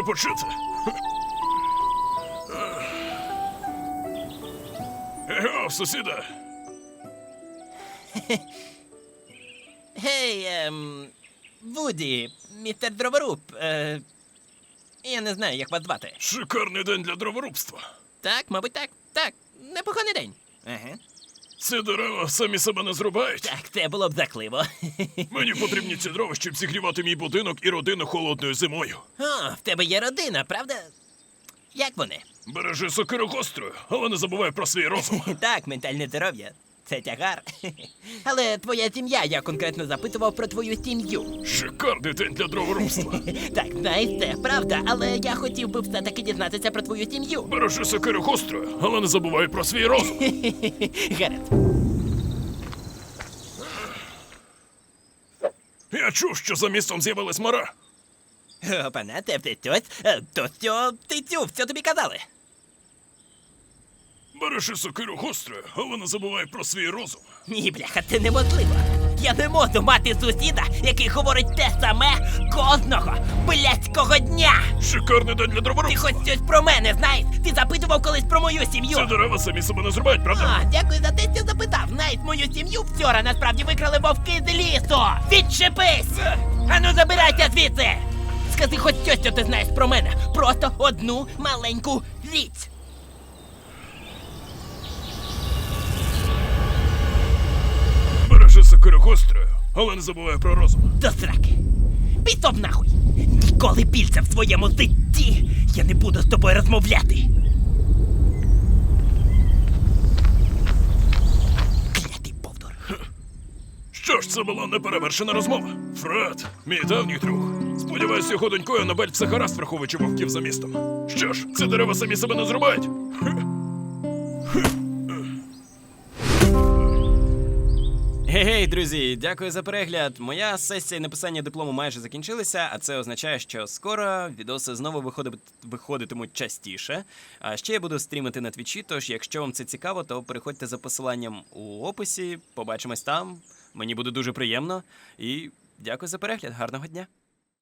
почути. Его, сусіда. Гей, Вуді, містер Дроворуб, я не знаю, як вас звати. Шикарний день для дроворубства. Так, мабуть, так. Так, непоганий день. Ага. Ці дерева самі себе не зрубають. Так, це було б закливо. Мені потрібні ці дрова, щоб зігрівати мій будинок і родину холодною зимою. О, в тебе є родина, правда? Як вони? Бережи сокиру гострою, але не забувай про свій розум. Так, ментальне здоров'я. Це тягар. Але твоя сім'я, я конкретно запитував про твою сім'ю. Шикарний день для дроворубства. Так, знаєш, це правда, але я хотів би все-таки дізнатися про твою сім'ю. Бережи сокиру гострою, але не забувай про свій розум. Гаразд. Я чув, що за містом з'явилась мара. Опана, це все щось. То що ти чув, що тобі казали? Бережи сокиру гострою, але не забувай про свій розум. Ні, бляха, це неможливо. Я не можу мати сусіда, який говорить те саме кожного блядського дня. Шикарний день для Ти дроворубства. хоч щось про мене знаєш? Ти запитував колись про мою сім'ю? Ці дерева самі себе не зрубають, правда? А, дякую за те, що запитав. Знаєш, мою сім'ю вчора насправді викрали вовки з лісу. Відчепись! Ану, забирайся звідси! Скажи хоч щось, що ти знаєш про мене. Просто одну маленьку річ. Бережи сокиру гострою, але не забувай про розум. До сраки. Пішов нахуй. Ніколи більше в своєму житті я не буду з тобою розмовляти. Клятий повтор. Що ж, це була неперевершена розмова. Фред, мій давній друг. Сподіваюсь, його донькою Нобель все гаразд, враховуючи вовків за містом. Що ж, ці дерева самі себе не зрубають? Гей, друзі, дякую за перегляд. Моя сесія написання диплому майже закінчилася, а це означає, що скоро відоси знову виходитимуть частіше. А ще я буду стрімити на твічі, тож якщо вам це цікаво, то переходьте за посиланням у описі, побачимось там. Мені буде дуже приємно. І дякую за перегляд, гарного дня.